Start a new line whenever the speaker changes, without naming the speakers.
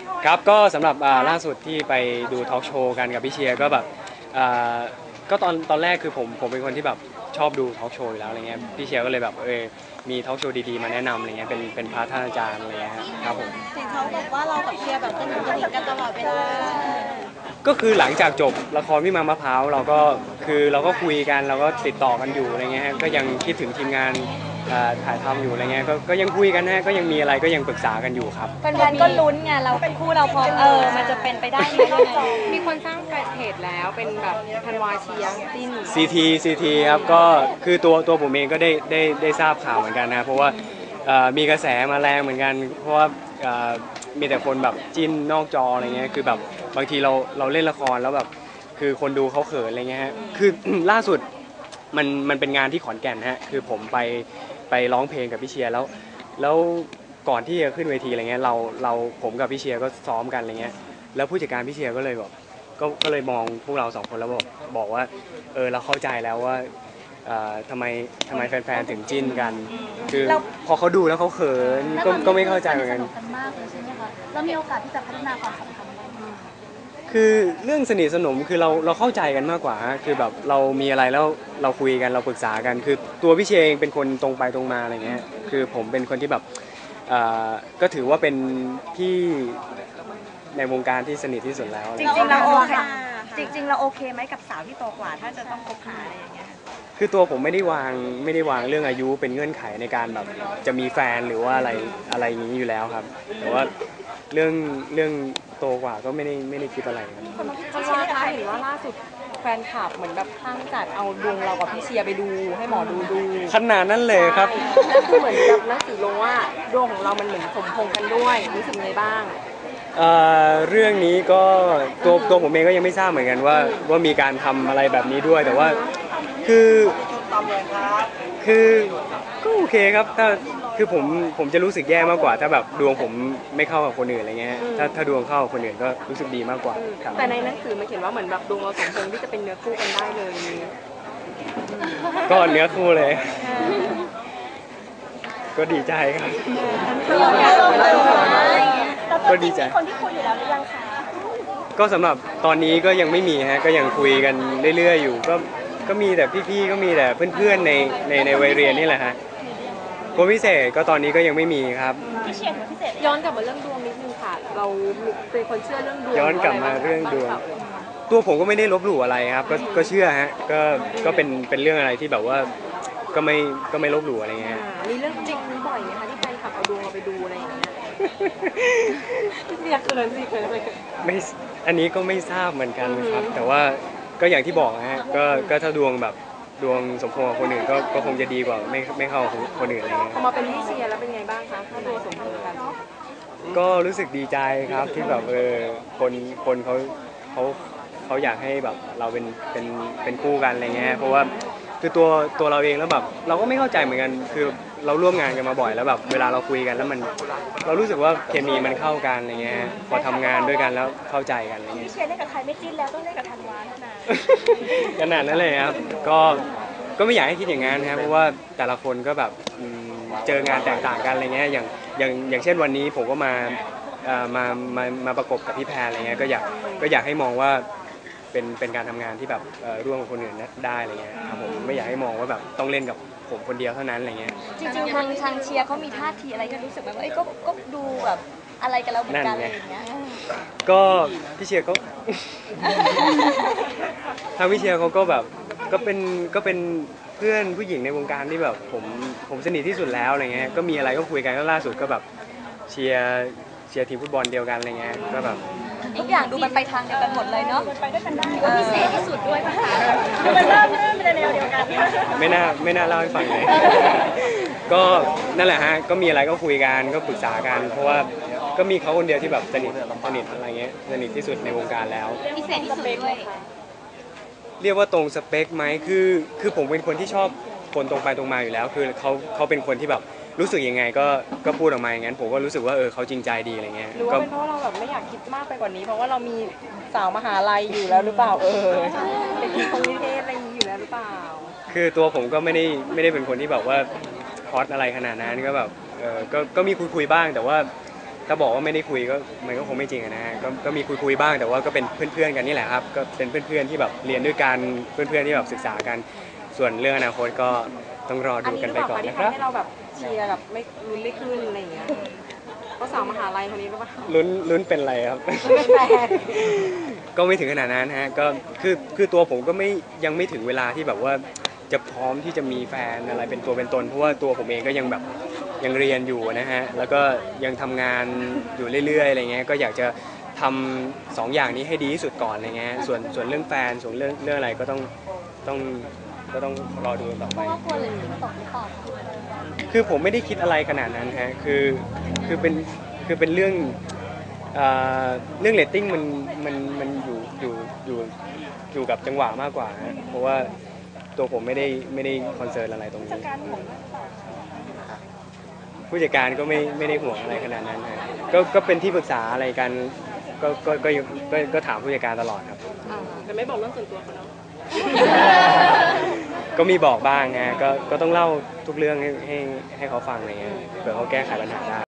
ครับก็สำหรับล่าสุดที่ไปดูทอล์กโชว์กันกับพี่เชียร์ก็แบบก็ตอนแรกคือผมเป็นคนที่แบบชอบดูทอล์กโชว์อยู่แล้วอะไรเงี้ยพี่เชียร์ก็เลยแบบมีทอล์กโชว์ดีๆมาแนะนำอะไรเงี้ยเป็นพาร์ทท่านอาจารย์อะไรเงี้ยครับผม
เห็นเขาบอกว่าเรากับเชียร์แบบสนิทกันตลอดเวลา
ก็คือหลังจากจบละครวิมานมะพร้าวเราก็คุยกันเราก็ติดต่อกันอยู่อะไรเงี้ยก็ยังคิดถึงทีมงานถ่ายทำอยู่อะไรเงี้ยก็ยังคุยกันนะก็ยังมีอะไรก็ยังปรึกษากันอยู่ครับ
แฟนๆก็ลุ้นไงเราเป็นคู่เราพอมันจะเป็นไปได้ไหม
มีคนสร้างเพจแล้วเป็นแบบธันวาเชียร์จิ้น
CT ครับก็คือตัวผมเองก็ได้ทราบข่าวเหมือนกันนะเพราะว่ามีกระแสมาแรงเหมือนกันเพราะว่ามีแต่คนแบบจิ้นนอกจออะไรเงี้ยคือแบบบางทีเราเล่นละครแล้วแบบคือคนดูเขาเขินอะไรเงี้ยฮะคือ ล่าสุดมันเป็นงานที่ขอนแก่นฮะคือผมไปร้องเพลงกับพี่เชียร์แล้วก่อนที่จะขึ้นเวทีอะไรเงี้ยผมกับพี่เชียร์ก็ซ้อมกันอะไรเงี้ยแล้วผู้จัดการพี่เชียร์ก็เลยบอกก็เลยมองพวกเราสองคนแล้วบอกว่าเราเข้าใจแล้วว่าทำไมแฟนๆถึงจิ้นกันคือพอเขาดูแล้วเขาเขินก็ไม่เข้าใจเหมือนกัน
มากเลยใช่ไหมคะแล้วมีโอกาสที่จะพัฒนาความสัมพันธ์
คือเรื่องสนิทสนมคือเราเข้าใจกันมากกว่าคือแบบเรามีอะไรแล้วเราคุยกันเราปรึกษากันคือตัวพี่เชงเป็นคนตรงไปตรงมาอะไรเงี้ยคือผมเป็นคนที่แบบก็ถือว่าเป็นพี่ในวงการที่สนิทที่สุดแล้ว
จริงๆเราโอเคเราโอเคไหมกับสาวที่โตกว่าถ้าจะต้องคบหาอะไรอย่างเงี้ย
คือตัวผมไม่ได้วางเรื่องอายุเป็นเงื่อนไขในการแบบจะมีแฟนหรือว่าอะไรอย่างนี้อยู่แล้วครับแต่ว่าเรื่องโตกว่าก็ไม่ได้คิดอะไรครับ
คนว่าคะเห็นว่าล่าสุดแฟนคลับเหมือนแบบตั้งจัดเอาดวงเรากับพี่เชียร์ไปดูให้หมอดู
ขนาดนั้นเลยครับ
นั่นคือเหมือนกับหนังสือลงว่าดวงของเรามันเหมือนสมพงกันด้วยรู้สึกไงบ้าง
เรื่องนี้ก็ตัวผมเองก็ยังไม่ทราบเหมือนกันว่ามีการทำอะไรแบบนี้ด้วยแต่ว่าคือก็โอเคครับคือผมจะรู้สึกแย่มากกว่าถ้าแบบดวงผมไม่เข้ากับคนอื่นอะไรเงี้ยถ้าดวงเข้ากับคนอื่นก็รู้สึกดีมากกว่า
แต่ในหนังสือมันเขียนว่าเหมือนแบบดวงเราสมพงที่จะเป็นเนื้อคู่กันได้เลย
ก็เนื้อคู่เลยก็ดีใจครับก็ดีใจ
คนที่คุยอยู่แล้วหรือยังคะ
ก็สำหรับตอนนี้ก็ยังไม่มีฮะก็ยังคุยกันเรื่อยๆอยู่ก็มีแต่พี่ๆก็มีแต่เพื่อนๆในวัยเรียนนี่แหละฮะคนพิเศษก็ตอนนี้ก็ยังไม่มีครับ
พี่เชียร์คนพิเศษ
ย้อนกลับมาเรื่องดวงนิดนึงค่ะเราเป็นคนเชื่อเรื่องดวง
ย้อนกลับมาเรื่องดวงตัวผมก็ไม่ได้ลบหลู่อะไรครับก็เชื่อฮะก็เป็นเรื่องอะไรที่แบบว่าก็ไม่ลบหลู่อะไรเงี้ย
มีเรื่องจริงบ่อยไหมคะที่แฟนคลับเอาดวงเราไปดูอะไรอย่างเงี้ยอยากเกินสิเกินไป
ไม่อันนี้ก็ไม่ทราบเหมือนกันครับแต่ว่าก็อย่างที่บอกฮะก็ถ้าดวงแบบดวงสมพงษ์กับคนอื่นก็คงจะดีกว่าไม่เข้ากับคนอื่นอะไรเงี้ย
พอมาเป็นพี่เชียร์แล้วเป็นไงบ้างคะถ้าดวงสมพงษ์กัน
ก็รู้สึกดีใจครับที่แบบคนเขาอยากให้แบบเราเป็นคู่กันอะไรเงี้ยเพราะว่าคือตัวเราเองแล้วแบบเราก็ไม่เข้าใจเหมือนกันคือเราร่วมงานกันมาบ่อยแล้วแบบเวลาเราคุยกันแล้วเรารู้สึกว่าเคมีมันเข้ากันอะไรเงี้ยพอทำงานด้วยกันแล้วเข้าใจกันอะไรเงี้ย
พี่เชียร์เล่นกับใครไม่จิ้นแล้วต้องเล่นกับธันวาเท่านั้น
ขนาดนั้นเลยครับก็ไม่อยากให้คิดอย่างนั้นนะครับเพราะว่าแต่ละคนก็แบบเจองานแตกต่างกันอะไรเงี้ยอย่างเช่นวันนี้ผมก็มาประกบกับพี่แพรอะไรเงี้ยก็อยากให้มองว่าเป็นการทำงานที่แบบร่วมกับคนอื่นได้อะไรเงี้ยครับผมไม่อยากให้มองว่าแบบต้องเล่นกับผมคนเดียวเท่านั้นอะไรเงี้ย
จริงๆทางเชียร์เขามีท่าทีอะไรที่รู้สึกแบบว่าก็ดูแบบอะไรกันแล้วเหมือนกันอะไรอย่างเงี้ย
ก็พี่เชียร์ก็ทางพี่เชียร์เขาก็แบบก็เป็นเพื่อนผู้หญิงในวงการที่แบบผมสนิทที่สุดแล้วอะไรเงี้ยก็มีอะไรก็คุยกันก็ล่าสุดก็แบบเชียร์ทีมฟุตบอลเดียวกันอะไรเงี้ยก็แบบ
ทุกอย่างดูมันไปทางเดียวกันหมดเลยเนาะไปด้วยกันได้ว่าพิเศษที่สุดด้วยป่ะคะ
มันเริ่มเป็นแนวเดียวกัน
ไม่น่าเล่าให้ฟังเลยก็นั่นแหละฮะก็มีอะไรก็คุยกันก็ปรึกษากันเพราะว่าก็มีเขาคนเดียวที่แบบสนิทอะไรเงี้ยสนิทที่สุดในวงการแล้ว
พิเศษที่สุดด้วย
เรียกว่าตรงสเปคไหมคือผมเป็นคนที่ชอบคนตรงไปตรงมาอยู่แล้วคือเขาเป็นคนที่แบบรู้สึกยังไงก็พูดออกมาอย่างนั้นผมก็รู้สึกว่าเขาจริงใจดีอะไรเงี้ย
หรือว่าเป็นเพราะเราแบบไม่อยากคิดมากไปกว่านี้เพราะว่าเรามีสาวมหาลัยอยู่แล้วหรือเปล่าเป็นคนนิเทศอะไรอย่างนี้อยู่แล้วหรือเปล่า
คือตัวผมก็ไม่ได้เป็นคนที่แบบว่าฮอตอะไรขนาดนั้นก็แบบก็มีคุยบ้างแต่ว่าถ้าบอกว่าไม่ได้คุยก็มันก็คงไม่จริงอะนะฮะก็มีคุยบ้างแต่ว่าก็เป็นเพื่อนๆกันนี่แหละครับก็เป็นเพื่อนๆที่แบบเรียนด้วยกันเพื่อนๆที่แบบศึกษากันส่วนเรื่องอนาคตก็ต้องรอ
อัน
ดู
นี้
กัน
ห
ไป
รือเป
ก่อ
ล่าน ที่
นะครับ
ทำให้เราแบบเชียร์แบบไม่ลุ้นไม่ขึ้นอะไรอย่างเงี้ยเพราะสาวมหาลัยคนนี้หรือเปล่า
ลุ้นเป็นอะไรครับ
เป็นแฟน
ก็ไม่ถึงขนาดนั้นฮะก็คือตัวผมก็ยังไม่ถึงเวลาที่แบบว่าจะพร้อมที่จะมีแฟนอะไรเป็นตัวเป็นตนเพราะว่าตัวผมเองก็ยังแบบยังเรียนอยู่นะฮะแล้วก็ยังทำงานอยู่เรื่อยๆอะไรเงี้ยก็อยากจะทำสองอย่างนี้ให้ดีที่สุดก่อนอะไรเงี้ยส่วนเรื่องแฟนส่วนเรื่องอะไรก็ต้องรอดูต่อ
เพ
ไป
ราะว่ากลัวเลยทิ้งตกหรือเปล่าคะ
คือผมไม่ได้คิดอะไรขนาดนั้นฮะคือเป็นเรื่องเรื่องเรตติ้งมันอยู่กับจังหวะมากกว่าฮะเพราะว่าตัวผมไม่ได้คอนเซิร์นอะไรตรงนี้ผู้จัดการก็ไม่ได้ห่วงอะไรขนาดนั้นฮะก็เป็นที่ปรึกษาอะไรกันก็ถามผู้จัดการตลอดครับ
แต่ไม่บอกเรื่องส่วนตัวเขาเนาะ
ก็มีบอกบ้างฮะก็ต้องเล่าทุกเรื่องให้เขาฟังอะไรเงี้ยเผื่อเขาแก้ไขปัญหาได้